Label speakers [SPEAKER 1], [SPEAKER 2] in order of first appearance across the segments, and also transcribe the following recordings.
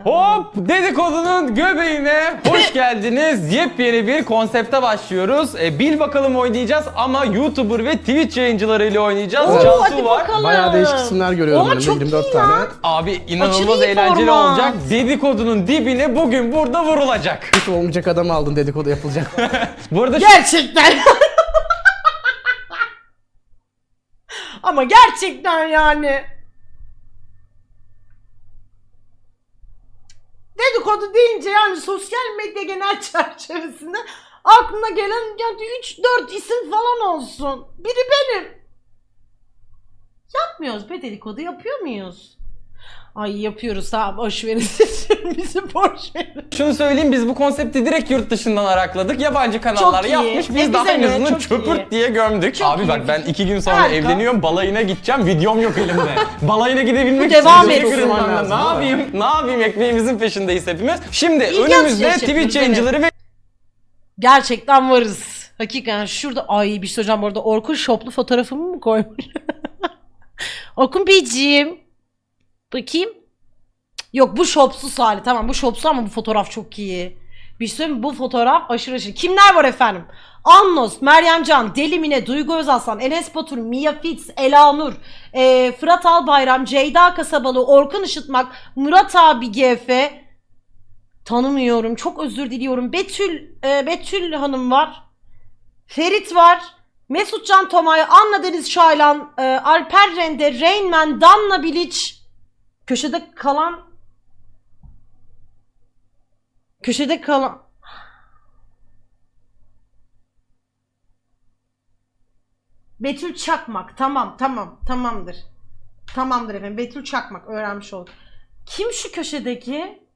[SPEAKER 1] Hop! Dedikodunun göbeğine hoş geldiniz. Yepyeni bir konsepte başlıyoruz. Bil bakalım oynayacağız ama YouTuber ve Twitch yayıncılarıyla oynayacağız.
[SPEAKER 2] Oo,
[SPEAKER 1] Cantu
[SPEAKER 2] hadi
[SPEAKER 1] var.
[SPEAKER 2] bakalım.
[SPEAKER 3] Bayağı değişik isimler görüyorum önümde,
[SPEAKER 2] çok
[SPEAKER 3] 24
[SPEAKER 2] iyi
[SPEAKER 3] tane.
[SPEAKER 2] ya.
[SPEAKER 1] Abi inanılmaz
[SPEAKER 2] Aşırı iyi
[SPEAKER 1] eğlenceli
[SPEAKER 2] format.
[SPEAKER 1] olacak. Dedikodunun dibine bugün burada vurulacak.
[SPEAKER 3] Hiç olmayacak adamı aldın, dedikodu yapılacak.
[SPEAKER 1] Bu arada
[SPEAKER 2] Gerçekten. Ama gerçekten yani. Dedikodu deyince yani sosyal medya genel çerçevesinde aklına gelen yani 3-4 isim falan olsun. Biri benim. Yapmıyoruz be, dedikodu yapıyor muyuz? Ay yapıyoruz, tamam boş verin. Bizi boş verin.
[SPEAKER 1] şunu söyleyeyim, biz bu konsepti direkt yurt dışından arakladık. Yabancı kanallar
[SPEAKER 2] Çok iyi.
[SPEAKER 1] yapmış. Biz
[SPEAKER 2] Bize
[SPEAKER 1] daha en
[SPEAKER 2] ne?
[SPEAKER 1] azından
[SPEAKER 2] Çok
[SPEAKER 1] çöpürt
[SPEAKER 2] iyi.
[SPEAKER 1] diye gömdük.
[SPEAKER 2] Çok
[SPEAKER 1] Abi
[SPEAKER 2] iyi.
[SPEAKER 1] bak ben 2 gün sonra
[SPEAKER 2] Harika.
[SPEAKER 1] evleniyorum. Balayına gideceğim. Videom yok elimde. Balayına gidebilmek için
[SPEAKER 2] Devam
[SPEAKER 1] video
[SPEAKER 2] etsin.
[SPEAKER 1] kırmam lazım.
[SPEAKER 3] Lazım,
[SPEAKER 1] Ne yapayım? Ne yapayım? Ekmeğimizin peşindeyiz hepimiz. Şimdi
[SPEAKER 2] İlgi
[SPEAKER 1] önümüzde
[SPEAKER 2] açıcı
[SPEAKER 1] Twitch
[SPEAKER 2] şekilde.
[SPEAKER 1] yayıncıları ve
[SPEAKER 2] Gerçekten varız. Hakikaten şurada ay bir şey hocam, bu arada Orkun şoplu fotoğrafımı mı koymuş? Orkun Beyciğim. Bakayım. Yok bu şopsuz hali, tamam bu şopsuz ama bu fotoğraf çok iyi. Bir şey söyleyeyim mi? Bu fotoğraf aşırı aşırı. Kimler var efendim? Annos, Meryem Can, Deli Mine, Duygu Özaslan, Enes Batur, Mia Fitz, Elanur, Fırat Albayram, Ceyda Kasabalı, Orkun Işıtmak, Murat abi GF. Tanımıyorum. Çok özür diliyorum. Betül Hanım var. Ferit var. Mesut Can Tomay, Anna Deniz Şaylan, Alper Rende, Rainman, Danla Bilic. Köşede kalan Betül Çakmak. Tamamdır. Tamamdır efendim. Betül Çakmak, öğrenmiş olduk. Kim şu köşedeki?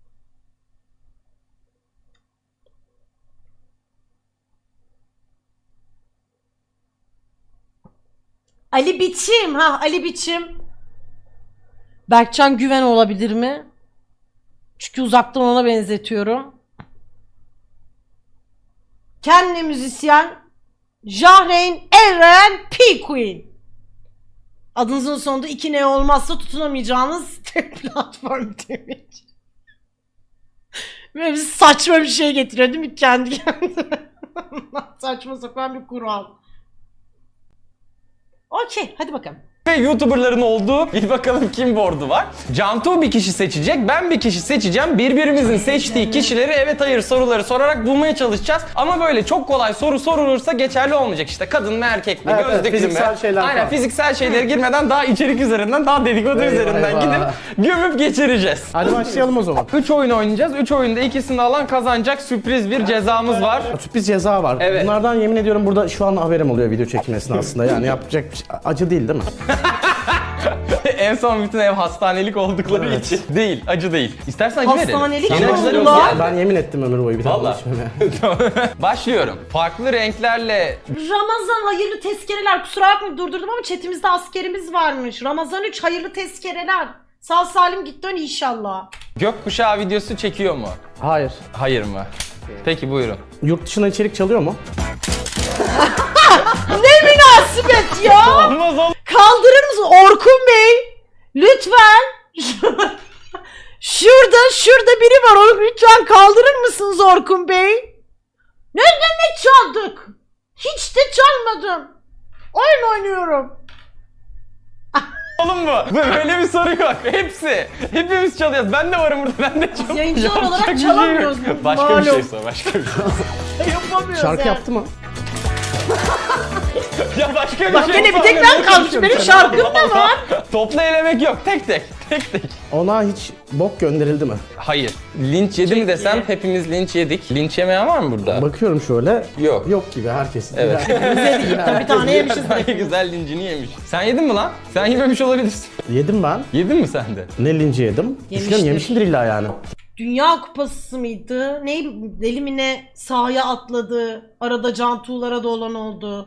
[SPEAKER 2] Ali Biçim. Ali Biçim. Berkcan Güven olabilir mi? Çünkü uzaktan ona benzetiyorum. Kendi müzisyen Jahreyn Eren P. Queen. Adınızın sonunda 2 ne olmazsa tutunamayacağınız tek platform demiş. Böyle saçma bir şey getiriyor değil mi kendi kendine? Saçma sapan bir kural. Okey, hadi bakalım.
[SPEAKER 1] ve YouTuber'ların olduğu bir bakalım kim board'u var. Cantu bir kişi seçecek, ben bir kişi seçeceğim. Birbirimizin seçtiği kişileri evet hayır soruları sorarak bulmaya çalışacağız. Ama böyle çok kolay soru sorulursa geçerli olmayacak. İşte kadın mı erkek mi,
[SPEAKER 3] Evet,
[SPEAKER 1] gözlüklü mü?
[SPEAKER 3] fiziksel şeyler
[SPEAKER 1] Aynen
[SPEAKER 3] falan.
[SPEAKER 1] fiziksel şeylere girmeden daha içerik üzerinden, daha dedikodu
[SPEAKER 3] Eyvah,
[SPEAKER 1] üzerinden
[SPEAKER 3] eyvah.
[SPEAKER 1] gidip gömüp geçireceğiz.
[SPEAKER 3] Hadi başlayalım o zaman.
[SPEAKER 1] 3 oyun oynayacağız. 3 oyunda ikisini alan kazanacak, sürpriz bir cezamız var.
[SPEAKER 3] Sürpriz ceza var.
[SPEAKER 1] Evet.
[SPEAKER 3] Bunlardan yemin ediyorum burada şu an haberim oluyor video çekimi esnasında. Yani yapacak bir şey. Acı değil mi?
[SPEAKER 1] En son bütün ev hastanelik oldukları
[SPEAKER 3] Evet.
[SPEAKER 1] için. Değil, acı değil. İstersen acı verelim.
[SPEAKER 2] Hastanelik
[SPEAKER 1] Yine
[SPEAKER 2] mi
[SPEAKER 1] acıları
[SPEAKER 2] oldular?
[SPEAKER 1] yok ya.
[SPEAKER 3] Ben yemin ettim ömür boyu bir tane
[SPEAKER 1] Vallahi.
[SPEAKER 3] içmeme.
[SPEAKER 1] Başlıyorum. Farklı renklerle
[SPEAKER 2] Ramazan hayırlı tezkereler. Kusura bakmayın durdurdum ama chatimizde askerimiz varmış. Ramazan 3 hayırlı tezkereler. Sağ salim git dön inşallah.
[SPEAKER 1] gökkuşağı videosu çekiyor mu?
[SPEAKER 3] Hayır.
[SPEAKER 1] Hayır mı? Peki buyurun.
[SPEAKER 3] Yurt dışına içerik çalıyor mu?
[SPEAKER 2] Ne münasebet ya.
[SPEAKER 1] Olmaz oğlum.
[SPEAKER 2] Kaldırır mısın Orkun Bey? Lütfen. Şurada biri var. Onu lütfen kaldırır mısınız Orkun Bey? Ne demek çaldık? Hiç de çalmadım. Oyun oynuyorum.
[SPEAKER 1] Oğlum bu. Böyle bir soru yok. Hepsi. Hepimiz çalıyoruz. Ben de varım burada. Ben de çalıyorum.
[SPEAKER 2] Yayıncılar olarak
[SPEAKER 1] Yapacak bir şey yok.
[SPEAKER 2] çalamıyoruz.
[SPEAKER 1] Başka bir şey
[SPEAKER 2] Malum.
[SPEAKER 1] sor. Başka bir şey.
[SPEAKER 2] Yapamıyoruz
[SPEAKER 3] Şarkı
[SPEAKER 2] yani.
[SPEAKER 3] yaptı mı?
[SPEAKER 1] Ya başka bir
[SPEAKER 2] Bak
[SPEAKER 1] şey
[SPEAKER 2] gene bir
[SPEAKER 1] sor.
[SPEAKER 2] tek
[SPEAKER 1] Ne
[SPEAKER 2] ben kalmışım.
[SPEAKER 1] konuşuyorsun
[SPEAKER 2] Benim
[SPEAKER 1] sen?
[SPEAKER 2] şarkım da var.
[SPEAKER 1] Topla elemek yok. Tek tek. Tek tek.
[SPEAKER 3] Ona hiç bok gönderildi mi?
[SPEAKER 1] Hayır. Linç yedi mi desem hepimiz linç yedik. Linç yemeyen var mı burada?
[SPEAKER 3] Bakıyorum şöyle.
[SPEAKER 1] Yok.
[SPEAKER 3] Yok gibi herkes.
[SPEAKER 1] Evet.
[SPEAKER 2] Bir tane yemişiz.
[SPEAKER 1] Ay güzel lincini yemiş. Sen yedin mi lan? Sen yememiş olabilirsin.
[SPEAKER 3] Yedim ben.
[SPEAKER 1] Yedin mi sen de?
[SPEAKER 3] Ne linci yedim? Düşünüyorum yemişimdir illa yani.
[SPEAKER 2] Dünya Kupası mıydı? Ne deli mi ne sahaya atladı. Arada Cantu'lara da olan oldu.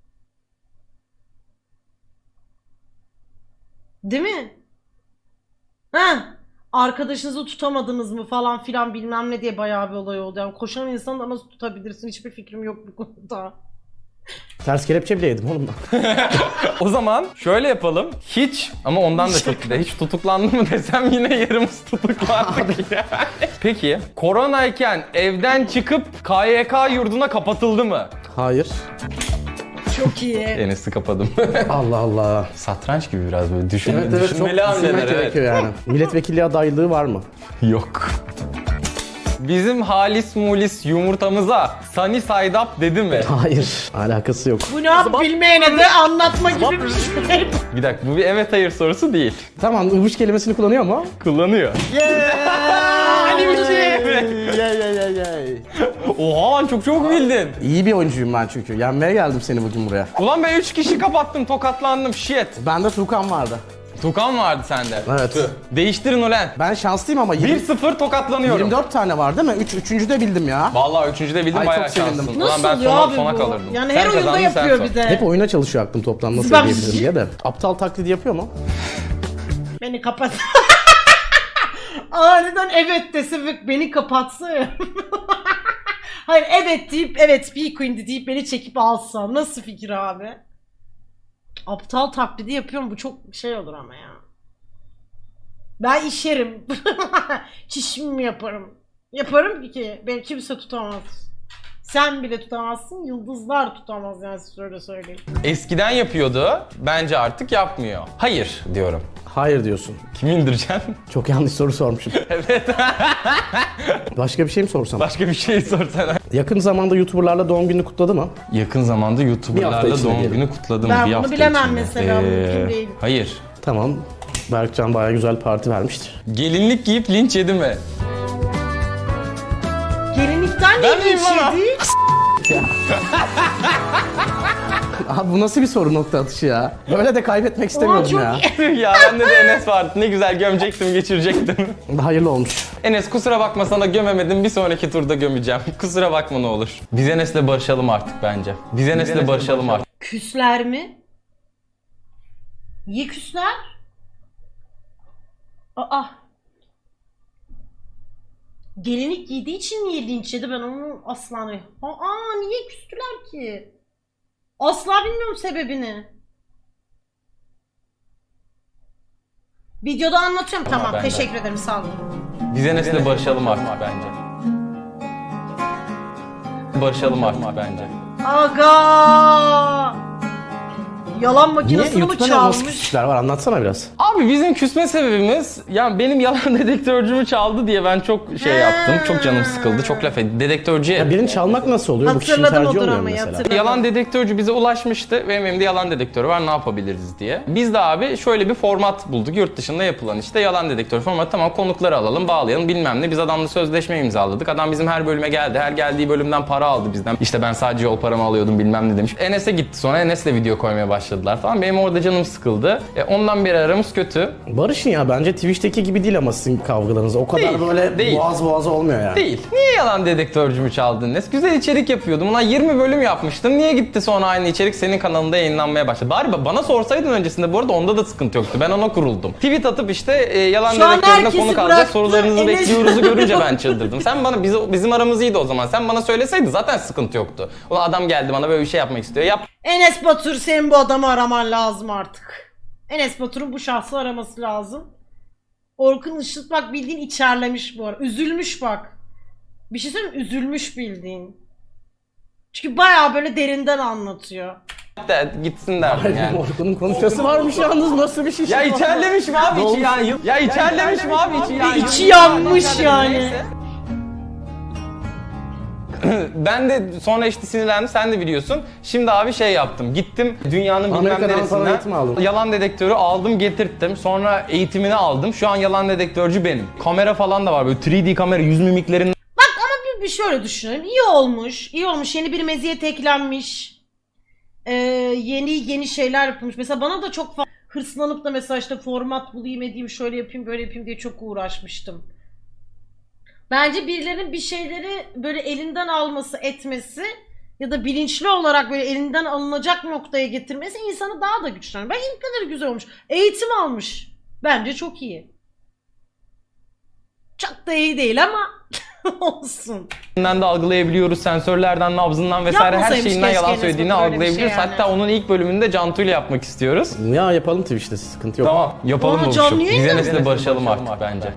[SPEAKER 2] Değil mi? Ha? Arkadaşınızı tutamadınız mı falan filan bilmem ne diye bayağı bir olay oldu. Yani koşan insanı da nasıl tutabilirsin? Hiçbir fikrim yok bu konuda.
[SPEAKER 3] Ters kelepçe bile yedim oğlum ben.
[SPEAKER 1] O zaman şöyle yapalım. Hiç ama ondan da çok güzel. Hiç tutuklandı mı desem yine yarımız tutuklandık yani. Peki koronayken evden çıkıp KYK yurduna kapatıldı mı?
[SPEAKER 3] Hayır.
[SPEAKER 2] Çok iyi.
[SPEAKER 1] Enes'i kapadım.
[SPEAKER 3] Allah Allah.
[SPEAKER 1] Satranç gibi biraz böyle
[SPEAKER 3] Evet evet, çok
[SPEAKER 1] düşünmeli hamleler,
[SPEAKER 3] düşünmek
[SPEAKER 1] evet.
[SPEAKER 3] gerekiyor yani. Milletvekilliği adaylığı var mı?
[SPEAKER 1] Yok. Bizim halis mulis yumurtamıza Sunny Side Up dedi mi?
[SPEAKER 3] Hayır. Alakası yok.
[SPEAKER 2] Bu ne yap bilmeyene de anlatma gibi bir şey.
[SPEAKER 1] Bir dakika bu bir evet hayır sorusu değil.
[SPEAKER 3] Tamam, ıvış kelimesini kullanıyor mu?
[SPEAKER 1] Kullanıyor.
[SPEAKER 2] Ali bir şey.
[SPEAKER 1] Oha lan çok çok bildin.
[SPEAKER 3] İyi bir oyuncuyum ben çünkü. Yenmeye geldim seni bugün buraya.
[SPEAKER 1] Ulan ben 3 kişi kapattım tokatlandım shit.
[SPEAKER 3] Bende Tukan vardı.
[SPEAKER 1] Tukan vardı sende.
[SPEAKER 3] Evet.
[SPEAKER 1] Tüh. Değiştirin ulan.
[SPEAKER 3] Ben şanslıyım ama
[SPEAKER 1] 1-0 tokatlanıyorum.
[SPEAKER 3] 24 tane var değil mi? Üçüncü de bildim ya.
[SPEAKER 1] Vallahi üçüncüde bildim
[SPEAKER 3] Ay,
[SPEAKER 1] bayağı
[SPEAKER 3] çok sevindim.
[SPEAKER 1] şanslısın.
[SPEAKER 2] Nasıl
[SPEAKER 1] Ulan ben
[SPEAKER 2] oluyor
[SPEAKER 1] sona,
[SPEAKER 2] abi
[SPEAKER 1] sona
[SPEAKER 2] bu?
[SPEAKER 1] kalırdım.
[SPEAKER 2] Yani
[SPEAKER 1] Sen
[SPEAKER 2] her oyunda
[SPEAKER 1] kazandın, sen
[SPEAKER 2] yapıyor
[SPEAKER 1] sor.
[SPEAKER 2] bir de.
[SPEAKER 3] Hep oyuna çalışıyor aklım toplam nasıl
[SPEAKER 2] Ben-
[SPEAKER 3] diyebilirim diye de. Aptal taklidi yapıyor mu?
[SPEAKER 2] Beni kapat. Aniden evet dese ve beni kapatsa ya. Hayır evet deyip evet bir queen'di deyip beni çekip alsa. Nasıl fikir abi? Aptal taklidi yapıyorum bu çok şey olur ama ya. Ben işerim. Çişimi yaparım. Yaparım ki beni kimse tutamaz. Sen bile tutamazsın, yıldızlar tutamaz yani size öyle söyleyeyim.
[SPEAKER 1] Eskiden yapıyordu. Bence artık yapmıyor. Hayır diyorum.
[SPEAKER 3] Hayır diyorsun.
[SPEAKER 1] Kimi indireceksin?
[SPEAKER 3] Çok yanlış soru sormuşum.
[SPEAKER 1] Evet.
[SPEAKER 3] Başka bir şey mi sorsam?
[SPEAKER 1] Başka bir şey sorsana.
[SPEAKER 3] Yakın zamanda YouTuber'larla doğum gününü kutladı mı?
[SPEAKER 1] Yakın zamanda
[SPEAKER 3] Bir
[SPEAKER 1] YouTuber'larla
[SPEAKER 3] hafta içinde
[SPEAKER 1] doğum
[SPEAKER 3] diyelim.
[SPEAKER 1] günü kutladım.
[SPEAKER 2] Ben
[SPEAKER 1] bir
[SPEAKER 2] bunu
[SPEAKER 1] hafta
[SPEAKER 2] bilemem
[SPEAKER 1] içinde.
[SPEAKER 2] mesela, mümkün değil.
[SPEAKER 1] Hayır.
[SPEAKER 3] Tamam. Berkcan bayağı güzel parti vermiştir.
[SPEAKER 1] Gelinlik giyip linç yedi mi?
[SPEAKER 2] Gelinlikten
[SPEAKER 1] Ben
[SPEAKER 2] ne
[SPEAKER 1] miyim bana?
[SPEAKER 2] işledi?
[SPEAKER 3] Abi bu nasıl bir soru nokta atışı ya? Böyle de kaybetmek istemiyordum
[SPEAKER 2] çok
[SPEAKER 3] ya.
[SPEAKER 1] Tüh ya bende de Enes vardı. Ne güzel gömecektim, geçirecektim.
[SPEAKER 3] Hayırlı olmuş.
[SPEAKER 1] Enes kusura bakma sana gömemedim. Bir sonraki turda gömeceğim. Kusura bakma ne olur. Biz Enes'le barışalım artık bence. Biz Enes'le barışalım artık.
[SPEAKER 2] Küsler mi? Niye küsler? Aa. Gelinlik giydiği için niye linç yedi, ben onu asla niye küstüler ki? Asla bilmiyorum sebebini. Videoda anlatıyorum. Tamam,
[SPEAKER 1] ben de.
[SPEAKER 2] teşekkür ederim, sağ olun.
[SPEAKER 1] Biz Enes'le barışalım artık bence. Barışalım artık bence.
[SPEAKER 2] Aga! Yalan
[SPEAKER 3] Niye?
[SPEAKER 2] makinesini mi
[SPEAKER 3] YouTube'da nasıl
[SPEAKER 2] çalmış?
[SPEAKER 3] küsüşler var? Anlatsana biraz.
[SPEAKER 1] Abi bizim küsme sebebimiz yani benim yalan dedektörcümü çaldı diye ben çok şey yaptım. Çok canım sıkıldı. Çok laf ettim. Dedektörcüye
[SPEAKER 3] Ya birini çalmak nasıl oluyor? Bu kişinin
[SPEAKER 2] Hatırladım
[SPEAKER 3] tercihi
[SPEAKER 2] o
[SPEAKER 3] olmuyor
[SPEAKER 2] dramayı,
[SPEAKER 3] mesela.
[SPEAKER 2] hatırladım.
[SPEAKER 1] yalan dedektörcü bize ulaşmıştı. Benim elimde yalan dedektörü var, ne yapabiliriz diye. Biz de abi şöyle bir format bulduk. Yurt dışında yapılan işte yalan dedektör formatı. Tamam, konukları alalım, bağlayalım bilmem ne. Biz adamla sözleşme imzaladık. Adam bizim her bölüme geldi. Her geldiği bölümden para aldı bizden. İşte ben sadece yol paramı alıyordum bilmem ne demiş. Enes'e gitti sonra. Enes'le video koymaya başladılar falan. Benim orada canım sıkıldı. Ondan beri aramız kötü.
[SPEAKER 3] Barış'ın ya bence Twitch'teki gibi değil ama sizin kavgalarınız. O kadar
[SPEAKER 1] Değil,
[SPEAKER 3] böyle
[SPEAKER 1] değil.
[SPEAKER 3] boğaz boğaza olmuyor yani.
[SPEAKER 1] Değil. Niye yalan dedektörcümü çaldın Enes? Güzel içerik yapıyordum. Ulan 20 bölüm yapmıştım. Niye gitti sonra aynı içerik senin kanalında yayınlanmaya başladı? Bari bana sorsaydın öncesinde, bu arada onda da sıkıntı yoktu. Ben ona kuruldum. Tweet atıp işte yalan
[SPEAKER 2] Şu an
[SPEAKER 1] dedektörüne
[SPEAKER 2] herkesi
[SPEAKER 1] konuk alacak,
[SPEAKER 2] bıraktı.
[SPEAKER 1] sorularınızı
[SPEAKER 2] Enes-
[SPEAKER 1] bekliyoruzu görünce ben çıldırdım. Sen bana bizim aramız iyiydi o zaman. Sen bana söyleseydin zaten sıkıntı yoktu. Ulan adam geldi bana böyle bir şey yapmak istiyor. Yap.
[SPEAKER 2] Enes Batur, senin bu adamı araman lazım artık. Enes Batur'un bu şahsı araması lazım. Orkun Işıt bak bildiğin içerlemiş bu ara. Üzülmüş bak. Bir şey söyleyeyim mi? Üzülmüş bildiğin. Çünkü bayağı böyle derinden anlatıyor.
[SPEAKER 1] De, gitsin derdim yani.
[SPEAKER 3] Orkun'un konuşması varmış yalnız, nasıl bir şey?
[SPEAKER 1] Ya içerlemiş mi abi içi yani? Ya içerlemiş mi abi içi yani?
[SPEAKER 2] İçi yanmış yani.
[SPEAKER 1] Neyse. Ben de sonra işte sinirlendim, sen de biliyorsun. Şimdi abi şey yaptım, gittim dünyanın bilmem
[SPEAKER 3] Amerika'dan falan eğitim
[SPEAKER 1] neresinden
[SPEAKER 3] aldın.
[SPEAKER 1] yalan dedektörü aldım getirttim. Sonra eğitimini aldım. Şu an yalan dedektörcü benim. Kamera falan da var, böyle 3D kamera, yüz mimiklerin
[SPEAKER 2] Bak ama bir şöyle düşünelim. İyi olmuş. İyi olmuş. Yeni bir meziyet eklenmiş. Yeni şeyler yapılmış. Mesela bana da çok hırslanıp da mesela işte format bulayım edeyim, şöyle yapayım böyle yapayım diye çok uğraşmıştım. Bence birilerinin bir şeyleri böyle elinden alması, etmesi ya da bilinçli olarak böyle elinden alınacak noktaya getirmesi insanı daha da güçlendirir. Ben ilk kadar güzel olmuş. Eğitim almış. Bence çok iyi. Çok da iyi değil ama Olsun.
[SPEAKER 1] de algılayabiliyoruz. Sensörlerden, nabzından vesaire her
[SPEAKER 2] Yapmasaymış
[SPEAKER 1] şeyinden yalan
[SPEAKER 2] keşke Enes
[SPEAKER 1] söylediğini
[SPEAKER 2] Batur öyle bir şey
[SPEAKER 1] algılayabiliyoruz.
[SPEAKER 2] yani.
[SPEAKER 1] Hatta onun ilk bölümünde Cantu ile yapmak istiyoruz.
[SPEAKER 3] Ya yapalım Twitch'te, sıkıntı yok.
[SPEAKER 1] Tamam, yapalım
[SPEAKER 2] Aa,
[SPEAKER 1] buluşup.
[SPEAKER 2] canlı yayın
[SPEAKER 1] Biz
[SPEAKER 2] mı?
[SPEAKER 1] Enes'le barışalım artık bence.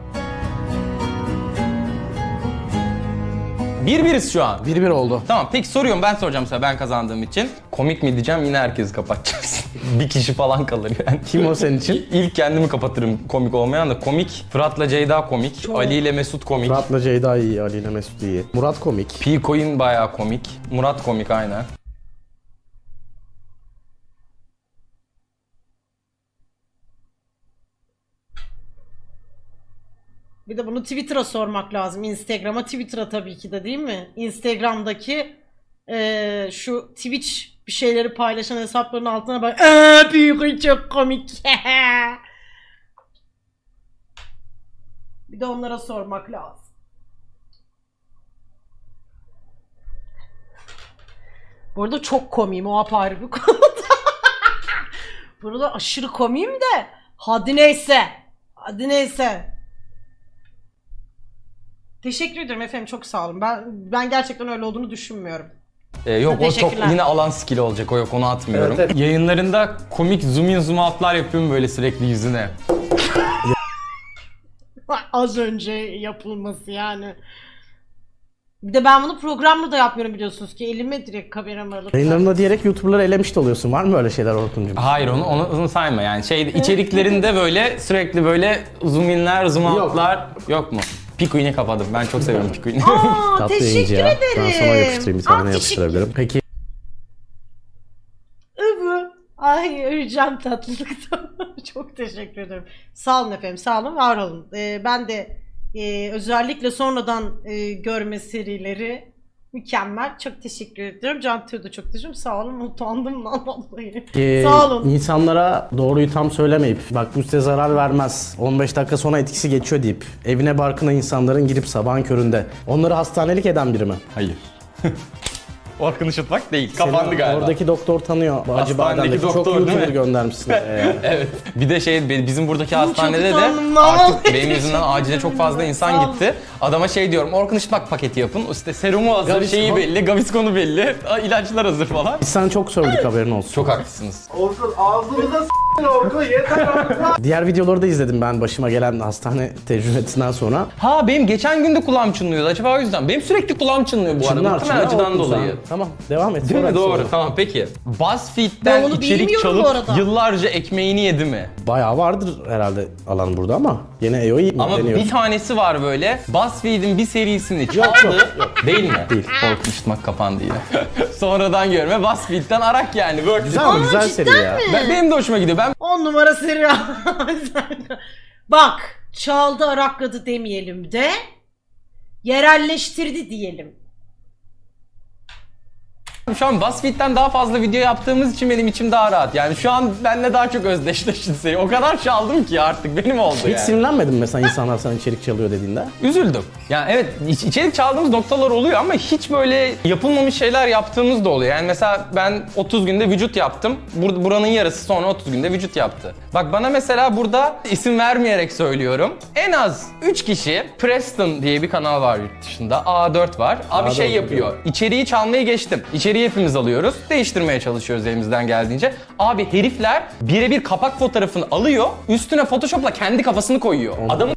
[SPEAKER 1] 1-1'iz şu an.
[SPEAKER 3] 1-1 oldu.
[SPEAKER 1] Tamam, peki soruyorum, ben soracağım size, ben kazandığım için. Komik mi diyeceğim, yine herkesi kapatacağız. Bir kişi falan kalır yani.
[SPEAKER 3] Kim o senin için?
[SPEAKER 1] İlk kendimi kapatırım komik olmayan da. Komik, Fırat'la Ceyda komik, Ali ile Mesut komik.
[SPEAKER 3] Murat'la Ceyda iyi, Ali ile Mesut iyi. Murat komik.
[SPEAKER 1] P-Coin bayağı komik. Murat komik aynen.
[SPEAKER 2] Bir de bunu Twitter'a sormak lazım. Instagram'a, Twitter'a tabii ki de, değil mi? Instagram'daki şu Twitch bir şeyleri paylaşan hesapların altına bak. Büyük çok komik. Bir de onlara sormak lazım. Bu arada çok komiyim, o apayrı bir konu. Burada aşırı komiyim de hadi neyse. Hadi neyse. Teşekkür ederim efendim, çok sağ olun. Ben gerçekten öyle olduğunu düşünmüyorum.
[SPEAKER 1] Yok, o çok
[SPEAKER 2] Teşekkürler.
[SPEAKER 1] yine alan skill olacak, o yok, onu atmıyorum.
[SPEAKER 3] Evet, evet.
[SPEAKER 1] Yayınlarında komik zoom in zoom out'lar yapıyorum böyle sürekli yüzüne.
[SPEAKER 2] Az önce yapılması yani. Bir de ben bunu programla da yapmıyorum biliyorsunuz ki. Elime direkt kameramı alıp.
[SPEAKER 3] Yayınlarında diyerek YouTuber'ları elemiş de oluyorsun. Var mı öyle şeyler Orkun'cum?
[SPEAKER 1] Hayır, onu sayma yani. İçeriklerinde böyle sürekli böyle zoom inler, zoom out'lar yok mu? P-Coin'i kapadım. Ben çok seviyorum P-Coin'i.
[SPEAKER 2] Aa,
[SPEAKER 3] Tatlı
[SPEAKER 2] teşekkür
[SPEAKER 3] yayıncı ya.
[SPEAKER 2] ederim.
[SPEAKER 3] Ben sana yapıştırayım, bir tane
[SPEAKER 2] Aa,
[SPEAKER 3] yapıştırabilirim. Peki
[SPEAKER 2] Övü. Ay öleceğim tatlılıktan. Çok teşekkür ederim. Sağ olun efendim, sağ olun, var olun. Ben de özellikle sonradan görme serileri mükemmel. Çok teşekkür ediyorum. Cantu'ya da çok teşekkür ederim. Sağ olun, utandım lan vallahi. Sağ olun.
[SPEAKER 3] insanlara doğruyu tam söylemeyip bak bu size zarar vermez, 15 dakika sonra etkisi geçiyor deyip evine barkına insanların girip sabahın köründe onları hastanelik eden biri mi?
[SPEAKER 1] Hayır. Orkun Işıtmak değil. Kapandı
[SPEAKER 3] Seni
[SPEAKER 1] galiba.
[SPEAKER 3] Oradaki doktor tanıyor. Acı
[SPEAKER 1] Hastanedeki
[SPEAKER 3] Badem'deki çok
[SPEAKER 1] doktor, değil
[SPEAKER 3] YouTuber
[SPEAKER 1] mi?
[SPEAKER 3] göndermişsin.
[SPEAKER 1] Evet. Bir de bizim buradaki hastanede de
[SPEAKER 2] utandım lan.
[SPEAKER 1] artık benim yüzümden acile çok fazla insan gitti. Adama diyorum, Orkun Işıtmak paketi yapın. İşte serumu hazır,
[SPEAKER 3] Gaviscon.
[SPEAKER 1] şeyi belli, Gaviscon'u belli, ilaçlar hazır falan.
[SPEAKER 3] Biz sana çok sövdük, haberin olsun.
[SPEAKER 1] Çok haklısınız.
[SPEAKER 4] Orkun ağzımıza s**tin Orkun yeter Orkun.
[SPEAKER 3] Diğer videoları da izledim ben başıma gelen hastane tecrübesinden sonra.
[SPEAKER 1] Ha, benim geçen gün de kulağım çınlıyordu. Acaba o yüzden. Benim sürekli kulağım çınlıyor bu arada. Muhtemelen acıdan
[SPEAKER 3] Orkun
[SPEAKER 1] dolayı.
[SPEAKER 3] sen. Tamam, devam et.
[SPEAKER 1] Değil mi?
[SPEAKER 3] Sonra
[SPEAKER 1] Doğru.
[SPEAKER 3] sonra.
[SPEAKER 1] Tamam, peki.
[SPEAKER 2] Ben
[SPEAKER 1] BuzzFeed'den
[SPEAKER 2] onu
[SPEAKER 1] içerik
[SPEAKER 2] bilmiyorum bu
[SPEAKER 1] çalıp
[SPEAKER 2] arada.
[SPEAKER 1] yıllarca ekmeğini yedi mi?
[SPEAKER 3] Bayağı vardır herhalde alan burada ama yine EO'yu
[SPEAKER 1] Ama
[SPEAKER 3] deniyor.
[SPEAKER 1] bir tanesi var böyle. BuzzFeed'in bir serisini çaldı. Değil mi?
[SPEAKER 3] Değil.
[SPEAKER 1] Korkun Işıtmak kapandı yine. Sonradan görme. BuzzFeed'den arak yani.
[SPEAKER 3] Güzel ama güzel seri ya.
[SPEAKER 1] Benim de hoşuma gidiyor. Ben
[SPEAKER 2] 10 numara seri. Bak, çaldı arakladı demeyelim de yerelleştirdi diyelim.
[SPEAKER 1] şu an BuzzFeed'den daha fazla video yaptığımız için benim içim daha rahat. Yani şu an benimle daha çok özdeşleşti seri. O kadar çaldım ki artık benim oldu
[SPEAKER 3] Hiç
[SPEAKER 1] yani.
[SPEAKER 3] sinirlenmedin mi mesela insanlar sana içerik çalıyor dediğinde?
[SPEAKER 1] Üzüldüm. Yani evet, içerik çaldığımız noktalar oluyor ama hiç böyle yapılmamış şeyler yaptığımız da oluyor. Yani mesela ben 30 günde vücut yaptım. Buranın yarısı sonra 30 günde vücut yaptı. Bak bana mesela burada isim vermeyerek söylüyorum. En az 3 kişi, Preston diye bir kanal var yurt dışında. A4 var. Abi
[SPEAKER 3] A4
[SPEAKER 1] şey yapıyor.
[SPEAKER 3] biliyorum.
[SPEAKER 1] İçeriği çalmayı geçtim. İçeriği hepimiz alıyoruz. Değiştirmeye çalışıyoruz elimizden geldiğince. Abi herifler birebir kapak fotoğrafını alıyor. Üstüne Photoshop'la kendi kafasını koyuyor. Adamın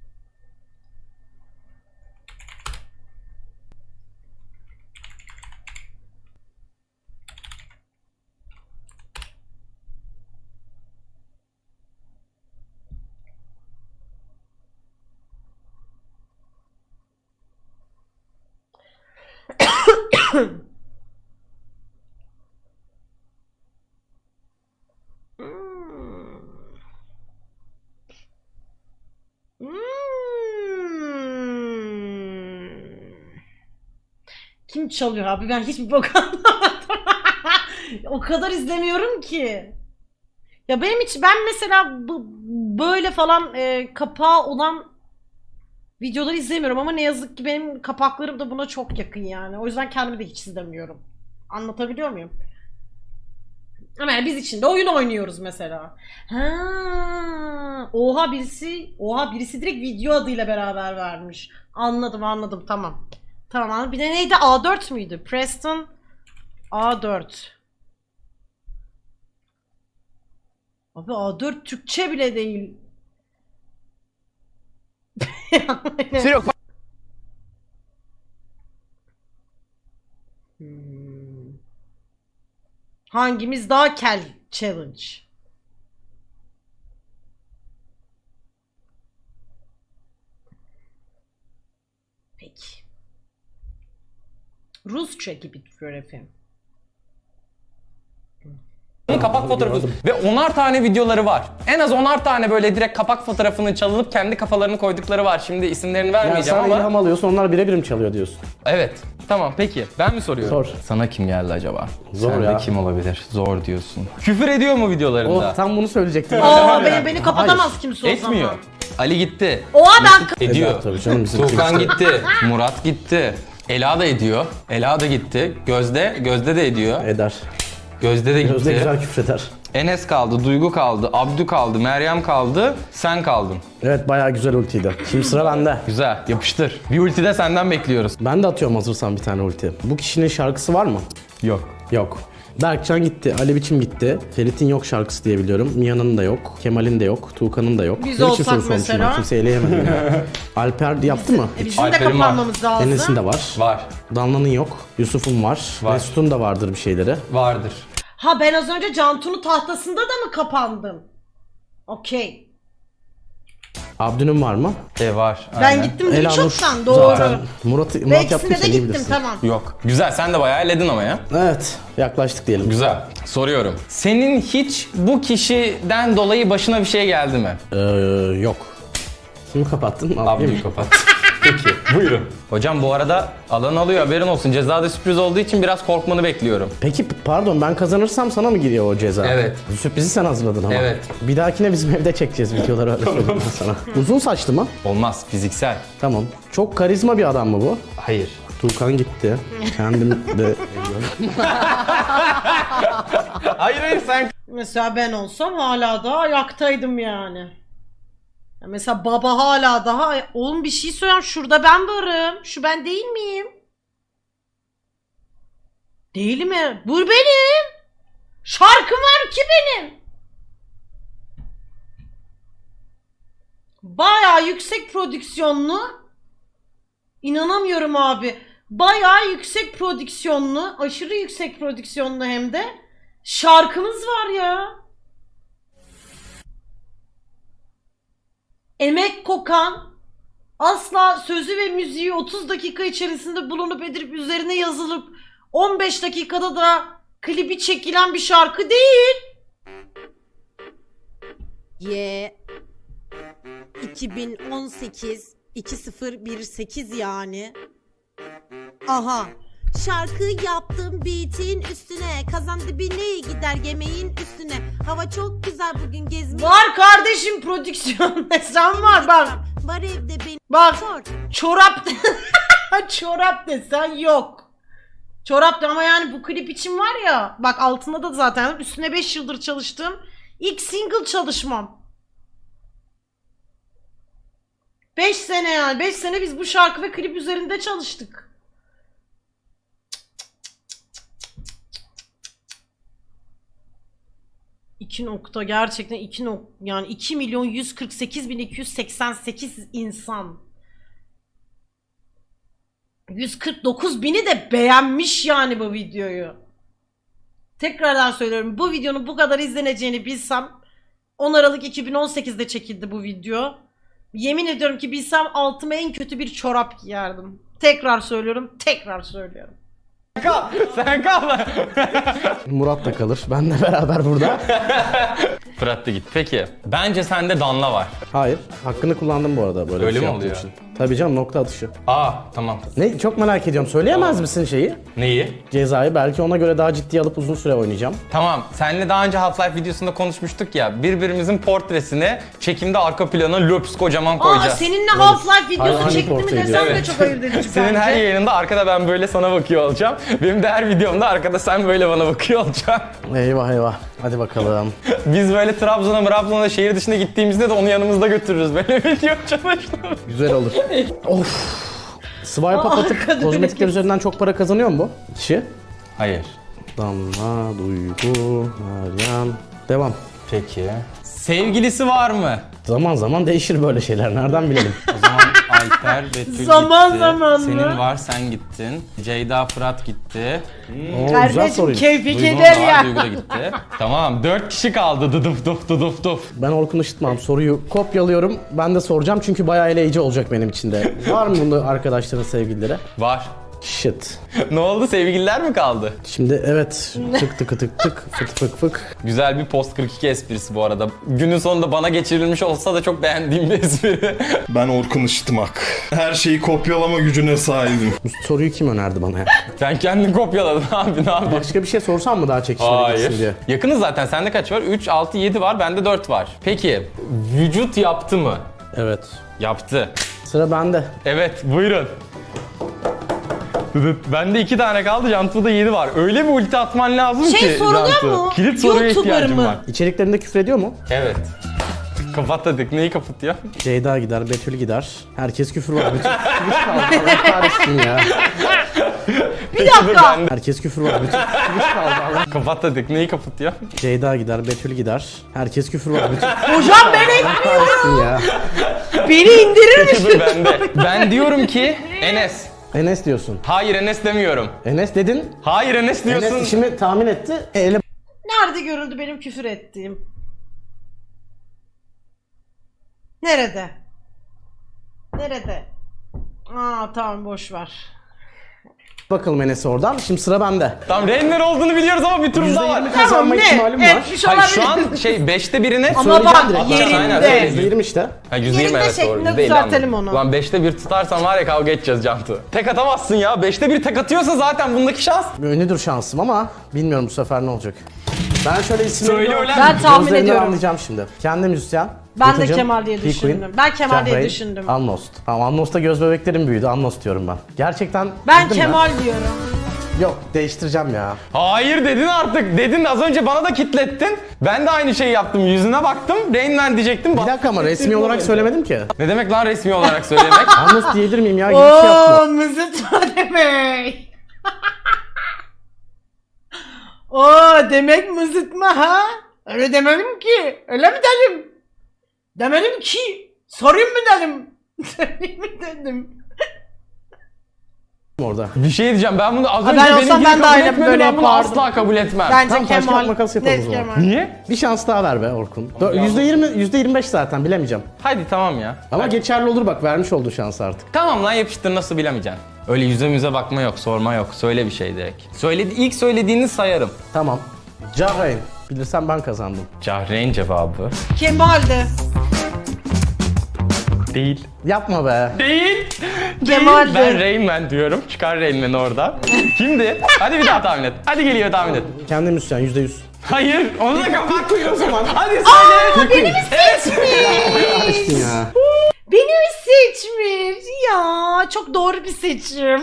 [SPEAKER 2] Kim çalıyor abi? Ben hiçbir bok anlamadım. O kadar izlemiyorum ki. Ya ben mesela böyle falan kapağı olan videoları izlemiyorum ama ne yazık ki benim kapaklarım da buna çok yakın yani. O yüzden kendimi de hiç izlemiyorum. Anlatabiliyor muyum? Ama yani biz içinde oyun oynuyoruz mesela. Ha, oha birisi direkt video adıyla beraber vermiş. Anladım tamam. Tamam anladım. Bir de neydi? A4 müydü? Preston A4. Abi A4 Türkçe bile değil. Hangimiz daha kel challenge? Peki. Rusça gibi duruyor efendim.
[SPEAKER 1] Kapak fotoğrafı ve 10'ar tane videoları var. En az 10'ar tane böyle direkt kapak fotoğrafını çalınıp kendi kafalarını koydukları var. Şimdi isimlerini
[SPEAKER 3] Yani
[SPEAKER 1] vermeyeceğim
[SPEAKER 3] sen
[SPEAKER 1] ama.
[SPEAKER 3] ilham alıyorsun, onlar birebir mi çalıyor diyorsun?
[SPEAKER 1] Evet. Tamam peki. Ben mi soruyorum?
[SPEAKER 3] Sor.
[SPEAKER 1] Sana kim geldi acaba?
[SPEAKER 3] Zor
[SPEAKER 1] Sende
[SPEAKER 3] ya.
[SPEAKER 1] kim olabilir? Zor diyorsun. Küfür ediyor mu videolarında?
[SPEAKER 3] Oh, tam bunu söyleyecektim.
[SPEAKER 2] Aa beni kapatamaz kimse o
[SPEAKER 1] Etmiyor.
[SPEAKER 2] zaman.
[SPEAKER 1] Ali gitti.
[SPEAKER 2] Oha ben
[SPEAKER 1] Ediyor.
[SPEAKER 3] Eder tabii canım, bizim
[SPEAKER 1] Tuğkan
[SPEAKER 3] Twitch'te.
[SPEAKER 1] gitti. Murat gitti. Ela da ediyor. Ela da gitti. Gözde de ediyor.
[SPEAKER 3] Eder.
[SPEAKER 1] Gözde de gitti.
[SPEAKER 3] Gözde güzel küfreder.
[SPEAKER 1] Enes kaldı, Duygu kaldı, Abdü kaldı, Meryem kaldı, sen kaldın.
[SPEAKER 3] Evet, bayağı güzel ultiydi. Şimdi sıra bende.
[SPEAKER 1] Güzel, yapıştır. Bir ulti de senden bekliyoruz.
[SPEAKER 3] Ben de atıyorum hazırsan bir tane ulti. Bu kişinin şarkısı var mı?
[SPEAKER 1] Yok.
[SPEAKER 3] Yok. Berkcan gitti, Ali Biçim gitti. Ferit'in yok şarkısı diye biliyorum. Mia'nın da yok, Kemal'in de yok, Tuğkan'ın da yok.
[SPEAKER 2] Biz
[SPEAKER 3] Ne biçim
[SPEAKER 2] olsak
[SPEAKER 3] soru sormuşum
[SPEAKER 2] mesela?
[SPEAKER 3] ben? Kimse eleyemedim ya. Alper yaptı mı?
[SPEAKER 2] bizim de
[SPEAKER 1] Alper'in var.
[SPEAKER 2] kapanmamız lazım.
[SPEAKER 3] Enes'in de var.
[SPEAKER 1] Var.
[SPEAKER 3] Danla'nın yok. Yusuf'un var.
[SPEAKER 1] Var.
[SPEAKER 3] Mesut'un da vardır bir şeyleri.
[SPEAKER 1] Vardır.
[SPEAKER 2] Ha ben az önce Cantu'nun tahtasında da mı kapandım? Okey.
[SPEAKER 3] Abdü'nün var mı?
[SPEAKER 1] Var.
[SPEAKER 2] Ben
[SPEAKER 1] aynen.
[SPEAKER 2] gittim değil
[SPEAKER 3] Elanur
[SPEAKER 2] çoktan doğru.
[SPEAKER 3] zaten. Murat
[SPEAKER 2] Ve
[SPEAKER 3] yaptıysa
[SPEAKER 2] ikisine de
[SPEAKER 3] iyi
[SPEAKER 2] gittim
[SPEAKER 3] bilirsin.
[SPEAKER 2] tamam.
[SPEAKER 1] Yok. Güzel, sen de bayağı elledin ama ya.
[SPEAKER 3] Evet, yaklaştık diyelim.
[SPEAKER 1] Güzel. Soruyorum. Senin hiç bu kişiden dolayı başına bir şey geldi mi?
[SPEAKER 3] Yok. Kimi kapattın?
[SPEAKER 1] Abdü'yü kapat. Peki, buyurun. Hocam bu arada alan alıyor, haberin olsun. Cezada sürpriz olduğu için biraz korkmanı bekliyorum.
[SPEAKER 3] Peki pardon, ben kazanırsam sana mı giriyor o ceza?
[SPEAKER 1] Evet.
[SPEAKER 3] Sürprizi sen hazırladın ama.
[SPEAKER 1] Evet.
[SPEAKER 3] Bir dahakine bizim evde çekeceğiz videoları, öyle söyleyeyim ben sana. Uzun saçlı mı?
[SPEAKER 1] Olmaz, fiziksel.
[SPEAKER 3] Tamam. Çok karizma bir adam mı bu?
[SPEAKER 1] Hayır.
[SPEAKER 3] Tuğkan gitti. Kendim de...
[SPEAKER 1] Hayır sen...
[SPEAKER 2] Mesela ben olsam hala daha ayaktaydım yani. Ya mesela baba hala daha... Oğlum bir şey söyleyeyim, şurada ben varım. Şu ben değil miyim? Değil mi? Bu benim. Şarkım var ki benim. Bayağı yüksek prodüksiyonlu. İnanamıyorum abi. Bayağı yüksek prodüksiyonlu, aşırı yüksek prodüksiyonlu hem de şarkımız var ya. Emek kokan, asla sözü ve müziği 30 dakika içerisinde bulunup edip üzerine yazılıp 15 dakikada da klibi çekilen bir şarkı değil.
[SPEAKER 5] 2018 2018 yani. Aha. Şarkı yaptım beat'in üstüne. Kazan dibine gider yemeğin üstüne. Hava çok güzel bugün gezmeye.
[SPEAKER 2] Var kardeşim prodüksiyon desen var bak.
[SPEAKER 5] Var evde benim.
[SPEAKER 2] Bak
[SPEAKER 5] Sor.
[SPEAKER 2] çorap çorap desen yok. Çorap da ama yani bu klip için var ya. Bak altında da zaten üstüne 5 yıldır çalıştım. İlk single çalışmam. 5 sene yani. 5 sene biz bu şarkı ve klip üzerinde çalıştık. İki nokta gerçekten yani 2.148.288 insan. 149.000'i de beğenmiş yani bu videoyu. Tekrardan söylüyorum, bu videonun bu kadar izleneceğini bilsem 10 Aralık 2018'de çekildi bu video. Yemin ediyorum ki bilsem altıma en kötü bir çorap giyerdim. Tekrar söylüyorum.
[SPEAKER 1] Sen kal.
[SPEAKER 3] Murat da kalır. Benle beraber burada.
[SPEAKER 1] Fırat da git. Peki. Bence sende Danla var.
[SPEAKER 3] Hayır. Hakkını kullandım bu arada böyle
[SPEAKER 1] Öyle
[SPEAKER 3] bir şey
[SPEAKER 1] mi
[SPEAKER 3] yaptığım
[SPEAKER 1] oluyor?
[SPEAKER 3] için. Tabii canım, nokta atışı.
[SPEAKER 1] Aa tamam.
[SPEAKER 3] Ne, çok merak ediyorum. Söyleyemez misin şeyi?
[SPEAKER 1] Neyi?
[SPEAKER 3] Cezayı. Belki ona göre daha ciddiye alıp uzun süre oynayacağım.
[SPEAKER 1] Tamam, seninle daha önce Half-Life videosunda konuşmuştuk ya, birbirimizin portresini çekimde arka plana löps kocaman
[SPEAKER 2] Aa
[SPEAKER 1] koyacağız.
[SPEAKER 2] seninle Half-Life videosu
[SPEAKER 3] Hangi
[SPEAKER 2] çekti mi
[SPEAKER 3] portayı
[SPEAKER 2] desem de
[SPEAKER 1] diyorsun?
[SPEAKER 2] çok ayırt edici
[SPEAKER 1] Senin
[SPEAKER 2] bence.
[SPEAKER 1] her yayınında arkada ben böyle sana bakıyor olacağım. Benim de her videomda arkada sen böyle bana bakıyor olacaksın.
[SPEAKER 3] Eyvah eyvah. Hadi bakalım.
[SPEAKER 1] Biz böyle Trabzon'a şehir dışına gittiğimizde de onu yanımızda götürürüz. Böyle video çalıştım.
[SPEAKER 3] Güzel olur. Of. Swipe up atıp
[SPEAKER 2] kadın
[SPEAKER 3] kozmetikler
[SPEAKER 2] etkisi.
[SPEAKER 3] üzerinden çok para kazanıyor mu bu kişi?
[SPEAKER 1] Hayır.
[SPEAKER 3] Damla, Duygu, Meryem. Devam.
[SPEAKER 1] Peki. Sevgilisi var mı?
[SPEAKER 3] Zaman zaman değişir böyle şeyler. Nereden bilelim?
[SPEAKER 1] O zaman Alper, Betül
[SPEAKER 2] Zaman
[SPEAKER 1] gitti.
[SPEAKER 2] zaman mı?
[SPEAKER 1] Senin var, sen gittin. Ceyda, Fırat gitti.
[SPEAKER 3] Oo, güzel
[SPEAKER 2] Kardeşim
[SPEAKER 3] soruymuş.
[SPEAKER 2] keyfi
[SPEAKER 1] Duygu
[SPEAKER 2] keder
[SPEAKER 1] da var,
[SPEAKER 2] ya.
[SPEAKER 1] Duygu da gitti. Tamam, 4 kişi kaldı. Dıdıf duf duduf duf.
[SPEAKER 3] Ben Orkun Işıtmam. Soruyu kopyalıyorum. Ben de soracağım çünkü bayağı eleyici olacak benim için de. Var mı bunda arkadaşların sevgilileri?
[SPEAKER 1] Var.
[SPEAKER 3] Shit.
[SPEAKER 1] Ne oldu? Sevgililer mi kaldı?
[SPEAKER 3] Şimdi evet. Tık tık tık tık fık fık fık.
[SPEAKER 1] Güzel bir post 42 esprisi bu arada. Günün sonunda bana geçirilmiş olsa da çok beğendiğim bir espri.
[SPEAKER 4] Ben Orkun Işıtmak. Her şeyi kopyalama gücüne sahibim.
[SPEAKER 3] Bu soruyu kim önerdi bana ya?
[SPEAKER 1] Sen kendin kopyaladın abi, ne yapıyorsun?
[SPEAKER 3] Başka bir şey sorsam mı daha çekişmeli gitsin diye?
[SPEAKER 1] Hayır. Yakınız zaten. Sende kaç var? 3, 6, 7 var. Bende 4 var. Peki, vücut yaptı mı?
[SPEAKER 3] Evet.
[SPEAKER 1] Yaptı.
[SPEAKER 3] Sıra bende.
[SPEAKER 1] Evet, buyurun. Bende 2 tane kaldı, Cantu'da 7 var. Öyle bir ulti atman lazım ki
[SPEAKER 2] Şey soruluyor
[SPEAKER 1] Cantu.
[SPEAKER 2] mu?
[SPEAKER 1] Kilit soruya
[SPEAKER 2] YouTuber
[SPEAKER 1] ihtiyacım
[SPEAKER 2] mı?
[SPEAKER 1] var.
[SPEAKER 3] İçeriklerinde küfür ediyor mu?
[SPEAKER 1] Evet. Kapat Neyi kapatıyor?
[SPEAKER 3] Ceyda gider, Betül gider. Herkes küfür var. Bütün küfür kaldı. Allah kahretsin ya.
[SPEAKER 2] Bir dakika.
[SPEAKER 3] Herkes küfür var. Bütün küfür kaldı. Allah.
[SPEAKER 1] Kapat Neyi kapatıyor?
[SPEAKER 3] Ceyda gider, Betül gider. Herkes küfür var. Bütün
[SPEAKER 2] Hocam ben
[SPEAKER 3] kahretsin ya.
[SPEAKER 2] beni indirir misin?
[SPEAKER 1] Dur bende. Ben diyorum ki Enes.
[SPEAKER 3] Enes diyorsun.
[SPEAKER 1] Hayır, Enes demiyorum.
[SPEAKER 3] Enes dedin.
[SPEAKER 1] Hayır, Enes diyorsun.
[SPEAKER 3] Enes işimi tahmin etti. Ele
[SPEAKER 2] Nerede görüldü benim küfür ettiğim? Nerede? Nerede? Aa tamam boş ver.
[SPEAKER 3] bakalım Enes'e oradan. Şimdi sıra bende.
[SPEAKER 1] Tamam, Rain'ler olduğunu biliyoruz ama bir turumuz daha var.
[SPEAKER 3] %20 kazanma ihtimalim var.
[SPEAKER 2] Etmiş
[SPEAKER 1] Hayır,
[SPEAKER 2] olabilir.
[SPEAKER 1] şu an 5'te birine
[SPEAKER 2] Ama bak
[SPEAKER 1] Aynen,
[SPEAKER 2] yerinde.
[SPEAKER 1] söyle.
[SPEAKER 3] %20 işte.
[SPEAKER 1] Ha, %20
[SPEAKER 2] Yerinde
[SPEAKER 1] evet doğru.
[SPEAKER 2] şeklinde
[SPEAKER 1] %50
[SPEAKER 2] düzeltelim
[SPEAKER 1] anladım.
[SPEAKER 2] onu.
[SPEAKER 1] Lan 5'te 1 tutarsan var ya kavga edeceğiz Cantu. Tek atamazsın ya. 5'te 1 tek atıyorsa zaten bundaki şans.
[SPEAKER 3] Ünlüdür şansım ama bilmiyorum bu sefer ne olacak. Ben şöyle isimleri
[SPEAKER 1] Söyle
[SPEAKER 3] görüyorum.
[SPEAKER 1] ulan.
[SPEAKER 2] Ben tahmin
[SPEAKER 3] Gözlerinden
[SPEAKER 2] ediyorum.
[SPEAKER 3] anlayacağım şimdi. Kendi müzisyen.
[SPEAKER 2] Ben de
[SPEAKER 3] Batucuğum,
[SPEAKER 2] Kemal diye
[SPEAKER 3] P-Queen,
[SPEAKER 2] düşündüm. Ben Kemal diye
[SPEAKER 3] Cahreyn,
[SPEAKER 2] düşündüm.
[SPEAKER 3] Amnost. Tamam, Amnost'ta göz bebeklerim büyüdü. Amnost diyorum ben. Gerçekten
[SPEAKER 2] Ben
[SPEAKER 3] bildin mi?
[SPEAKER 2] Kemal diyorum.
[SPEAKER 3] Yok, değiştireceğim ya.
[SPEAKER 1] Hayır dedin artık. Dedin az önce bana da kitlettin. Ben de aynı şeyi yaptım. Yüzüne baktım. Rain Man diyecektim.
[SPEAKER 3] Bir dakika ama resmi olarak söylemedim ki.
[SPEAKER 1] Ne demek lan resmi olarak söylemek?
[SPEAKER 3] Amnost diyebilir miyim ya? Gibi bir şey yapma.
[SPEAKER 2] Ooo mızıtma demek. Oo demek mızıtma ha? Öyle demedim ki. Öyle mi dedim? Demedim ki. Sorayım mı dedim? Sorayım mı dedim?
[SPEAKER 3] Orada.
[SPEAKER 1] Bir şey diyeceğim. Ben bunu az
[SPEAKER 2] Ha,
[SPEAKER 1] önce
[SPEAKER 2] ben olsam
[SPEAKER 1] benimkini
[SPEAKER 2] ben de
[SPEAKER 1] kabul
[SPEAKER 2] aynen
[SPEAKER 1] etmedim.
[SPEAKER 2] böyle
[SPEAKER 1] Ben bunu
[SPEAKER 2] yapardım.
[SPEAKER 1] asla kabul etmem.
[SPEAKER 2] Bence
[SPEAKER 3] Tamam, taş
[SPEAKER 2] Kemal.
[SPEAKER 3] kağıt makas yapalım o
[SPEAKER 2] Net
[SPEAKER 3] zaman.
[SPEAKER 2] Kemal.
[SPEAKER 1] Niye?
[SPEAKER 3] Bir şans daha ver be Orkun. %20, %25 zaten bilemeyeceğim.
[SPEAKER 1] Hadi tamam ya.
[SPEAKER 3] Ama geçerli olur bak, vermiş olduğu şans artık.
[SPEAKER 1] Tamam lan yapıştır, nasıl bilemeyeceksin. Öyle yüze müze bakma yok, sorma yok. Söyle bir şey direkt. İlk söylediğini sayarım.
[SPEAKER 3] Tamam. Cahreyn. Bilirsem ben kazandım.
[SPEAKER 1] Cahreyn cevabı.
[SPEAKER 2] Kemal'di.
[SPEAKER 1] Değil.
[SPEAKER 3] Yapma be.
[SPEAKER 1] Değil.
[SPEAKER 2] Kemal'di.
[SPEAKER 1] Ben Rain Man diyorum. Çıkar Rain Man'i oradan. Kimdi? Hadi bir daha tahmin et. Hadi geliyor tahmin et.
[SPEAKER 3] Kendi müzisyen %100.
[SPEAKER 1] Hayır. Onu da kapat koy o zaman. Hadi söyle.
[SPEAKER 2] Beni mi seçmiş?
[SPEAKER 3] Kahretsin ya.
[SPEAKER 2] Beni mi seçmiş? Ya çok doğru bir seçim.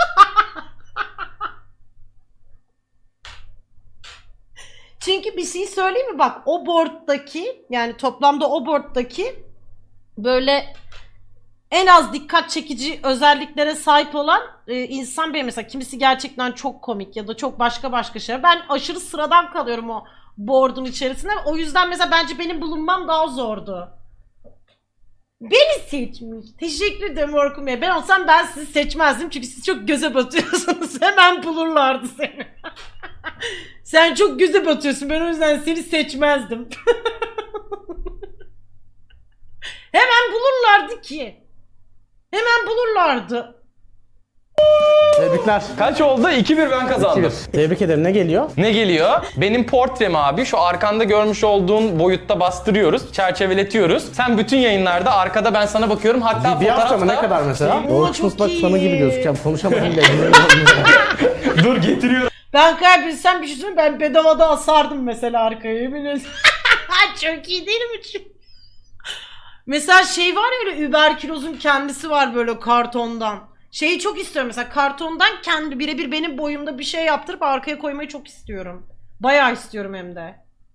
[SPEAKER 2] Çünkü bir şey söyleyeyim mi? Bak o board'daki yani toplamda o board'daki böyle en az dikkat çekici özelliklere sahip olan insan benim. Mesela kimisi gerçekten çok komik ya da çok başka şeyler. Ben aşırı sıradan kalıyorum o board'un içerisinde. O yüzden mesela bence benim bulunmam daha zordu. Beni seçmiş. Teşekkür ederim Orkun Bey. Ben olsam ben sizi seçmezdim çünkü siz çok göze batıyorsunuz. Hemen bulurlardı seni. Sen çok göze batıyorsun. Ben o yüzden seni seçmezdim. Hemen bulurlardı ki. Hemen bulurlardı.
[SPEAKER 3] Tebrikler.
[SPEAKER 1] Kaç oldu? 2-1 ben kazandım.
[SPEAKER 3] 2-1. Tebrik ederim. Ne geliyor?
[SPEAKER 1] Ne geliyor? Benim portrem abi. Şu arkanda görmüş olduğun boyutta bastırıyoruz. Çerçeveletiyoruz. Sen bütün yayınlarda arkada ben sana bakıyorum. Hatta
[SPEAKER 3] Bir hafta mı?
[SPEAKER 1] fotoğrafta...
[SPEAKER 3] Ne kadar mesela?
[SPEAKER 2] Oo,
[SPEAKER 3] Orkun
[SPEAKER 2] çok
[SPEAKER 3] Islak
[SPEAKER 2] iyi.
[SPEAKER 3] fanı gibi gözükeceğim. Konuşamadım bile.
[SPEAKER 1] Dur getiriyorum.
[SPEAKER 2] Ben kaybetsem bir şey söyleyeyim, ben bedavada asardım mesela arkaya, yemin ederim. Çok iyi değil mi? Mesela şey var ya, öyle überkülozun kendisi var böyle kartondan. Şeyi çok istiyorum mesela, kartondan kendi birebir benim boyumda bir şey yaptırıp arkaya koymayı çok istiyorum. Bayağı istiyorum hem de.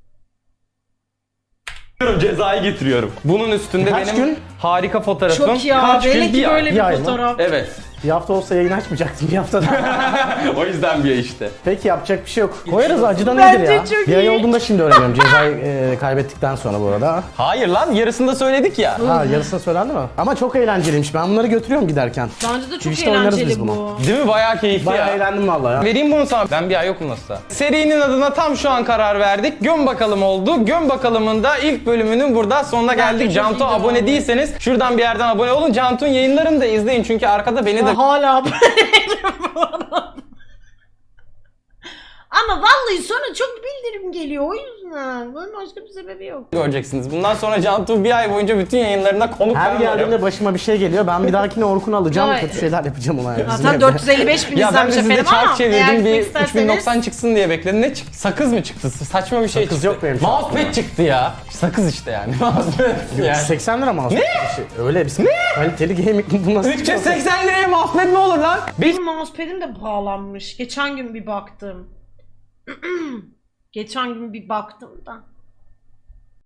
[SPEAKER 1] Cezayı getiriyorum. Bunun üstünde
[SPEAKER 3] Kaç
[SPEAKER 1] benim
[SPEAKER 3] gün?
[SPEAKER 1] harika fotoğrafım.
[SPEAKER 2] Çok ya,
[SPEAKER 1] Kaç gün?
[SPEAKER 2] belli ki
[SPEAKER 1] Bir ay.
[SPEAKER 2] böyle
[SPEAKER 3] Bir ay
[SPEAKER 2] bir
[SPEAKER 3] mı?
[SPEAKER 2] fotoğraf.
[SPEAKER 1] Evet.
[SPEAKER 3] Bir hafta olsa yayın açmayacaktım. Bir hafta daha.
[SPEAKER 1] O yüzden bir ay işte.
[SPEAKER 3] Peki yapacak bir şey yok. Koyarız, acıdan
[SPEAKER 2] Bence
[SPEAKER 3] nedir ya?
[SPEAKER 2] çok
[SPEAKER 3] Bir ay
[SPEAKER 2] iyi.
[SPEAKER 3] olduğunda şimdi öğreniyorum. Cezayı kaybettikten sonra bu arada.
[SPEAKER 1] Hayır lan, yarısında söyledik ya.
[SPEAKER 3] Ha, yarısını söylendi mi? Ama çok eğlenceliymiş. Ben bunları götürüyorum giderken.
[SPEAKER 2] Bence de çok
[SPEAKER 3] Twitch'te oynarız biz
[SPEAKER 2] eğlenceli
[SPEAKER 3] bunu.
[SPEAKER 2] bu.
[SPEAKER 1] Değil mi? Bayağı keyifli
[SPEAKER 3] Bayağı
[SPEAKER 1] ya.
[SPEAKER 3] eğlendim vallahi ya.
[SPEAKER 1] Vereyim bunu sana. Ben bir ay yokum nasılsa. Serinin adına tam şu an karar verdik. Göm bakalım oldu. Göm bakalımın da ilk bölümünün burada sonuna geldik.
[SPEAKER 2] çok
[SPEAKER 1] Cantu
[SPEAKER 2] iyiydi
[SPEAKER 1] abone
[SPEAKER 2] abi.
[SPEAKER 1] değilseniz şuradan bir yerden abone olun. Cantu'nun yayınlarını da izleyin çünkü arkada beni de
[SPEAKER 2] Ben hala abone bu arada. Ama vallahi sonra çok bildirim geliyor o yüzden. Bunun başka bir sebebi yok.
[SPEAKER 1] göreceksiniz. Bundan sonra Cantu bir ay boyunca bütün yayınlarına konuk
[SPEAKER 3] Her
[SPEAKER 1] ben
[SPEAKER 3] geldiğimde
[SPEAKER 1] varım.
[SPEAKER 3] başıma bir şey geliyor. Ben bir dahakine Orkun'u alacağım.
[SPEAKER 2] Vay.
[SPEAKER 3] Kötü şeyler yapacağım ona. Yani.
[SPEAKER 2] Zaten 455 bin
[SPEAKER 1] Ya ben de
[SPEAKER 2] izlenmiş
[SPEAKER 1] sizde
[SPEAKER 2] efendim ama
[SPEAKER 1] çark
[SPEAKER 2] eğer
[SPEAKER 1] çevirdim, bir
[SPEAKER 2] gitmek isterseniz
[SPEAKER 1] 3090 çıksın diye bekledim. Ne çıktı? Sakız mı çıktı? Saçma bir şey
[SPEAKER 3] Sakız
[SPEAKER 1] çıktı.
[SPEAKER 3] yok benim şu
[SPEAKER 1] Mousepad çıktı ya. Sakız işte yani. Mousepad yani.
[SPEAKER 3] 80 lira mouse. Öyle bir kaliteli gaming bu nasıl?
[SPEAKER 1] 380 liraya mousepad mi olur lan?
[SPEAKER 2] benim mousepad'im de pahalanmış. Geçen gün bir baktım. Geçen gün bir baktım da.